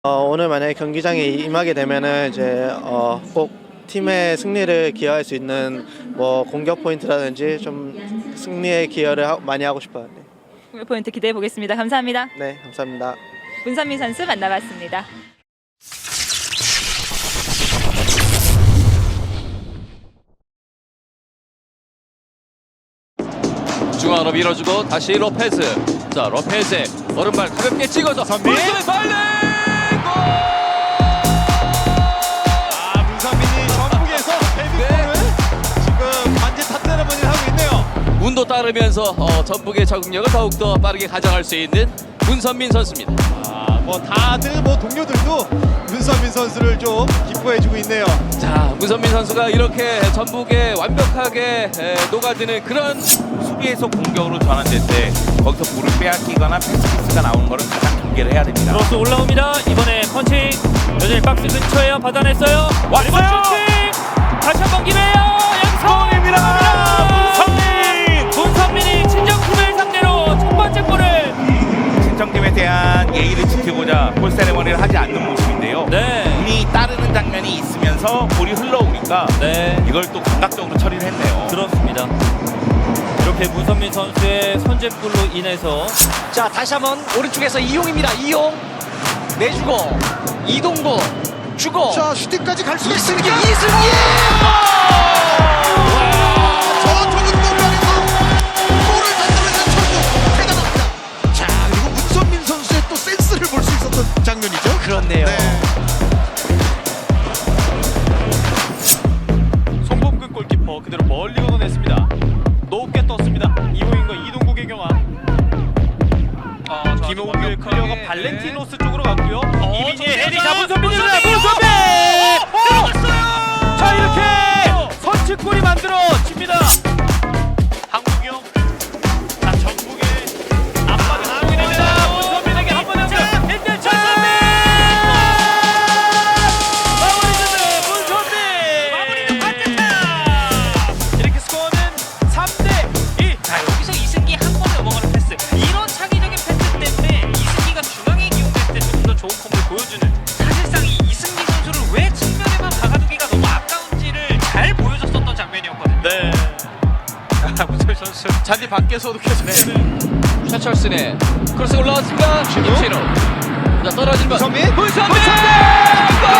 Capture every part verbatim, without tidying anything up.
어, 오늘 만약에 경기장에 임하게 되면은 이제 어, 꼭 팀의 승리를 기여할 수 있는 뭐 공격 포인트라든지 좀 승리에 기여를 하, 많이 하고 싶어요. 네. 공격 포인트 기대해 보겠습니다. 감사합니다. 네, 감사합니다. 문선민 선수 만나봤습니다. 중앙으로 밀어주고 다시 로페즈. 자, 로페즈의 오른발 가볍게 찍어서 선민. 문선민 발레 골! 아, 문선민이 전북에서 데뷔골을 지금 반지 탑세레머니를 하고 있네요. 운도 따르면서 어, 전북의 적응력을 더욱더 빠르게 가져갈 수 있는 문선민 선수입니다. 아, 뭐 다들 뭐 동료들도 문선민 선수를 좀 기뻐해주고 있네요. 자, 문선민 선수가 이렇게 전북에 완벽하게 에, 녹아드는 그런 수비에서 공격으로 전환될 때 거기서 볼을 빼앗기거나 패스미스가 나오는 거를 가장 경계를 해야 됩니다. 크로스 올라옵니다. 이번에 펀칭 여전히 박스 근처에요. 받아냈어요. 왔어요. 슈팅! 다시 한번 기회예요. 여기서 문선민! 문선민이 친정팀을 상대로 첫 번째 골을 신청팀에 대한 예의를 지키고자 볼 세레머니를 하지 않는 모습인데요. 네. 운이 따르는 장면이 있으면서 볼이 흘러오니까 네. 이걸 또 감각적으로 처리를 했네요. 그렇습니다. 이렇게 문선민 선수의 선제골로 인해서 자, 다시 한번 오른쪽에서 이용입니다. 이용 내주고 이동구 주고 자, 슈팅까지 갈 수 이승기 있습니까? 이승기 저 좁은 공간에서 골을 만들어낸 전북 대단합니다. 자, 그리고 문선민 선수의 또 센스를 볼 수 있었던 장면이죠. 그렇네요. 송범근 골키퍼 그대로 멀리 걷어냈습니다. 높게 떴습니다. 이호인과 이동국의 경화. 아, 김호규의 클리어가 발렌티노스 쪽으로 갔고요. 이민희의 헤딩 자 문선민입니다. 문선민! 들어갔어요. 자, 이렇게 선취골이 만들어집니다. 황국영. 자, 전북의 압박이 나오게 됩니다. 문선민에게 한 번 연결. 일 대 전선민! 마무리는 문선민! 마무리는 반대타! 이렇게 스코어는 삼 대 이. 자, 여기서 이승기 한 번에 넘어가는 패스. 이런 창의적인 패스 때문에 이승기가 중앙에 기용될 때 조금 더 좋은 폼을 보여주는. 사실상 이 이승기 선수를 왜 측면에만 박아두기가 너무 아까운지를 잘 보여줬었던 장면이었거든요. 네. 아, 문철 선수. 잔디 밖에서도 계속 최철순의 크로스 올라왔습니다. 김신호. 자, 떨어진 것. 문선민. 문선민! 골!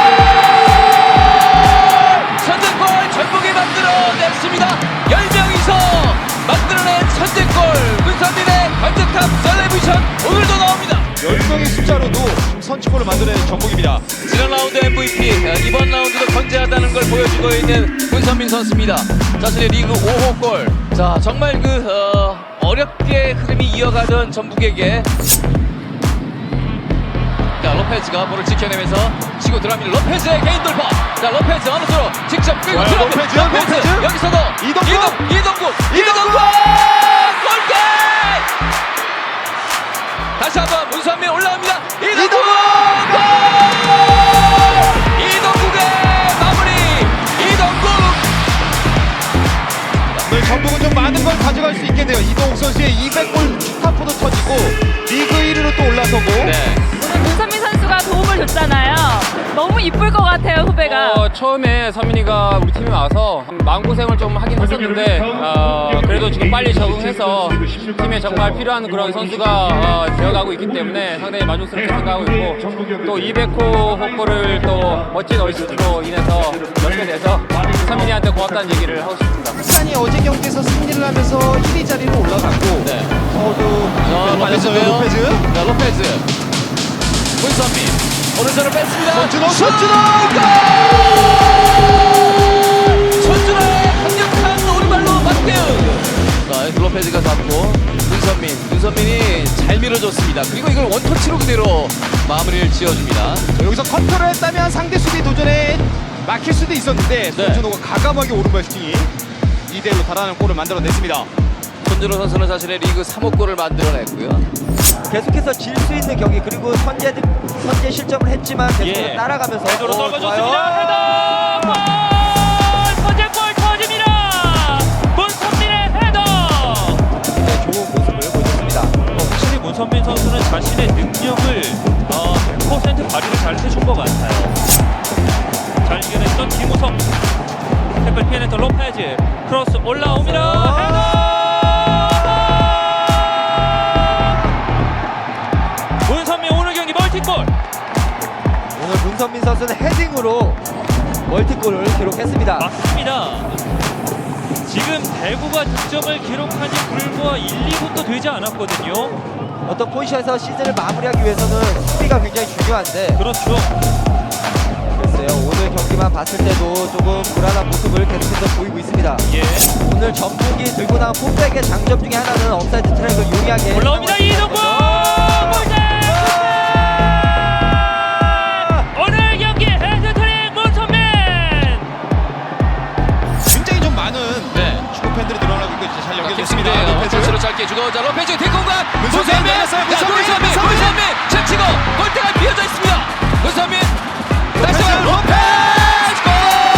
선제골 전북이 만들어냈습니다. 열 명이서 만들어낸 선제골. 문선민의 월드컵 셀레브레이션 오늘도 나옵니다. 열 명의 숫자로도 선취골을 만들어낸 전북입니다. 지난 라운드 엠브이피, 이번 라운드도 건재하다는 걸 보여주고 있는 문선민 선수입니다. 자신의 리그 오 호 골. 자, 정말 그 어, 어렵게 흐름이 이어가던 전북에게 자, 로페즈가 볼을 지켜내면서 치고 들어갑니다. 로페즈의 개인 돌파. 자, 로페즈 어느 쪽으로 직접 끌고 좋아요, 들어갑니다. 로페즈, 로페즈. 여기서도 이동국. 이동, 이동국, 이동국 골대! 다시 한번 문선민 올라옵니다. 이동국 골! 이동국의 마무리. 이동국. 오늘 전북은 좀 많은 걸 가져갈 수 있겠네요. 이동욱 선수의 이백 골 축하포도 터지고 리그 일 위로 또 올라서고. 네. 오늘 문선민 선수가 도움을 줬잖아요. 너무 이쁠 것 같아요, 후배가. 어, 처음에 서민이가 우리 팀에 와서 마음고생을 좀 하긴 했었는데 어, 그래도 지금 빨리 적응해서 팀에 정말 필요한 그런 선수가 어, 되어가고 있기 때문에 상당히 만족스럽게 생각하고 있고 또 이백 호 홈골을 또 멋진 어시스트로 인해서 넣게 돼서 서민이한테 고맙다는 얘기를 하고 싶습니다. 부산이 어제 경기에서 승리를 하면서 일 위 자리로 올라갔고 네. 저도 자, 빠졌어요. 로페즈. 로페즈. 자, 로페즈. 문선민. 오른손을 뺐습니다. 손준호, 손준호! 손준호의 강력한 오른발로 맞대응. 자, 로페즈가 잡고 문선민. 문선민이 잘 밀어줬습니다. 그리고 이걸 원터치로 그대로 마무리를 지어줍니다. 자, 여기서 컨트롤 했다면 상대 수비 도전에 막힐 수도 있었는데 네. 손준호가 가감하게 오른발 슈팅이 이 대 일로 달아나는 골을 만들어냈습니다. 손준호 선수는 자신의 리그 삼 호 골을 만들어냈고요. 계속해서 질 수 있는 경기 그리고 선제 선제 실점을 했지만 계속해서 예. 따라가면서 대도로 어, 떨궈줬습니다. 헤더! 골! 선제골 터집니다. 문선민의 헤더! 굉장히 좋은 모습을 보여줬습니다. 확실히 문선민 선수는 자신의 능력을 어, 퍼센트 발휘를 잘 해준 것 같아요. 잘 이겨냈던 김우성. 태클 피해냈던 로페즈. 크로스 올라옵니다. 헤더! 문선민 오늘 경기 멀티골. 오늘 문선민 선수는 헤딩으로 멀티골을 기록했습니다. 맞습니다. 지금 대구가 득점을 기록한 지 불과 일, 이 분도 되지 않았거든요. 어떤 포지션에서 시즌을 마무리하기 위해서는 수비가 굉장히 중요한데 그렇죠. 글쎄요, 오늘 경기만 봤을 때도 조금 불안한 모습을 계속해서 보이고 있습니다. 예. 오늘 전북이 들고 나온 풋백의 장점 중에 하나는 업사이드 트랙을 용이하게 올라옵니다. 이동국! 골대! 오늘 경기 헤드트릭 문선민! 굉장히 좀 많은 네. 축구 팬들이 늘어나고 있고 이제 잘 연결됐습니다. 킥인데요. 로페즈. 패스로 짧게 주고 자 로페즈 뒷공간 문선민 문선민 열렸어요. 문선민, 문선민 문선민. 문선민 채치고 골대가 비어져 있습니다. 문선민 다시 한번 로페즈 골!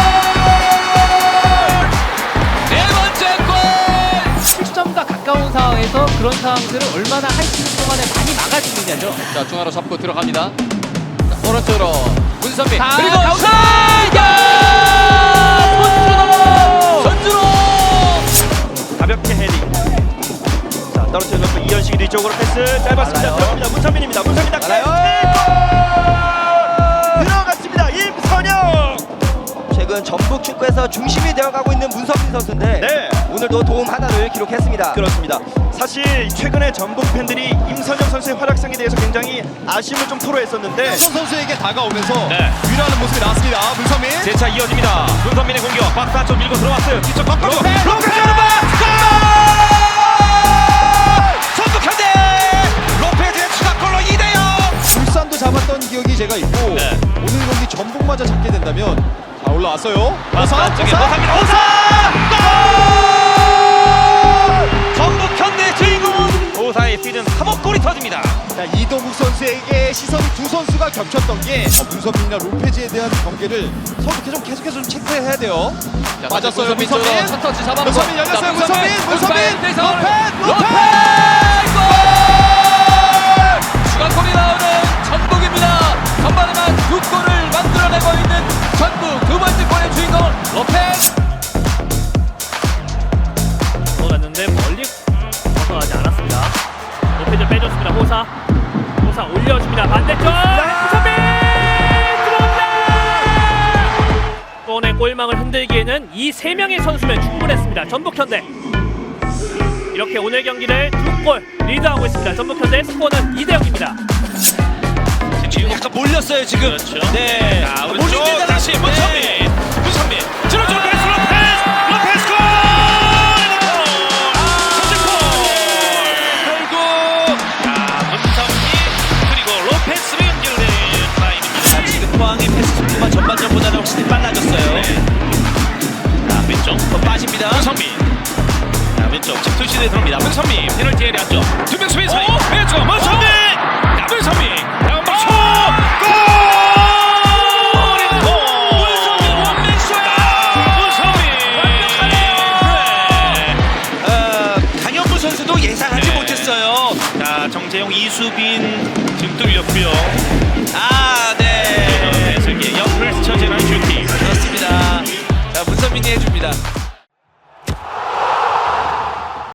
네 번째 골! 실점과 가까운 상황에서 그런 상황들을 얼마나 한 시즌 동안에 많이 막아주느냐죠. 자 중앙으로 잡고 들어갑니다. 자, 오른쪽으로 문선민 자, 그리고 가운데! 선준호 선준호 가볍게 헤딩. 자, 떨어뜨려서 이현식이 뒤쪽으로 패스 짧았습니다. 알아요. 들어갑니다. 문선민입니다. 문선민 닥쳐. 들어갔습니다. 임선영. 최근 전북 축구에서 중심이 되어가고 있는 문선민 선수인데 네. 오늘도 도움 하나를 기록했습니다. 그렇습니다. 사실 최근에 전북 팬들이 임선영 선수의 활약상에 대해서 굉장히 아쉬움을 좀 토로했었는데 손 선수에게 다가오면서 네. 위로하는 모습이 나왔습니다. 문선민. 재차 이어집니다. 문선민의 공격. 박스 안쪽 밀고 들어왔어요. 뒤쪽 바꿔. 로페즈 오른발. 전북 현대. 로페즈의 추가골로 이 대 영. 울산도 잡았던 기억이 제가 있고 네. 오늘 경기 전북마저 잡게 된다면 자 올라왔어요. 박스 안쪽에 호사입니다. 호사. 골! 전북 현대 주인공은 호사의 시즌 삼 호 골이 터집니다. 자, 이동국 선수에게 시선이 두 선수가 겹쳤던 게 어, 문선민이나 로페즈에 대한 경계를 서로 계속 계속해서 좀 체크해야 돼요. 자, 맞았어요, 문선민 문선민. 쪽으로 첫 터치 잡았고 문선민 열렸어요. 자, 문선민, 문선민, 로페즈 로페즈, 로페즈 골! 추가골이 나오는 전북입니다. 전반에만 두 골을 만들어내고 있는 전북 두 번째 골의 주인공 로페즈. 돌았는데 멀리 벗어나지 않았습니다. 로페즈 빼줬습니다. 호사. 호사 올려줍니다. 반대쪽. 문선민 들어옵니다. 골의 골망을 흔들기에는 이 세 명의 선수면 충분했습니다. 전북 현대. 이렇게 오늘 경기를 두 골 리드하고 있습니다. 전북 현대 스코어는 이 대 영입니다. 지금 약간 몰렸어요 지금. 그렇죠. 네. 자, 오른쪽 다시 문선민. 문선민. 들어줘 패스 로페즈. 로페즈 골! 선제골! 결국 자, 문선민 그리고 로페즈로 연결된 타임입니다. 지금 포항의 패스 속도가 전반전보다는 확실히 빨라졌어요. 자, 왼쪽 더 빠집니다. 문선민. 자, 왼쪽 집 투시대에 들어옵니다. 문선민 페널티 에리아 안쪽 두 명 수비 사이 왼쪽 문선민. 자, 문선민 다음 초 골! 문선민 원맨쇼야. 문선민 완벽하네요. 어, 강현무 선수도 예상하지 못했어요. 자, 정재용, 이수빈 등 뚫렸고요. 아, 네. 배슬기 옆을 스쳐 지나는 슈팅. 그렇습니다. 자, 문선민이 해줍니다.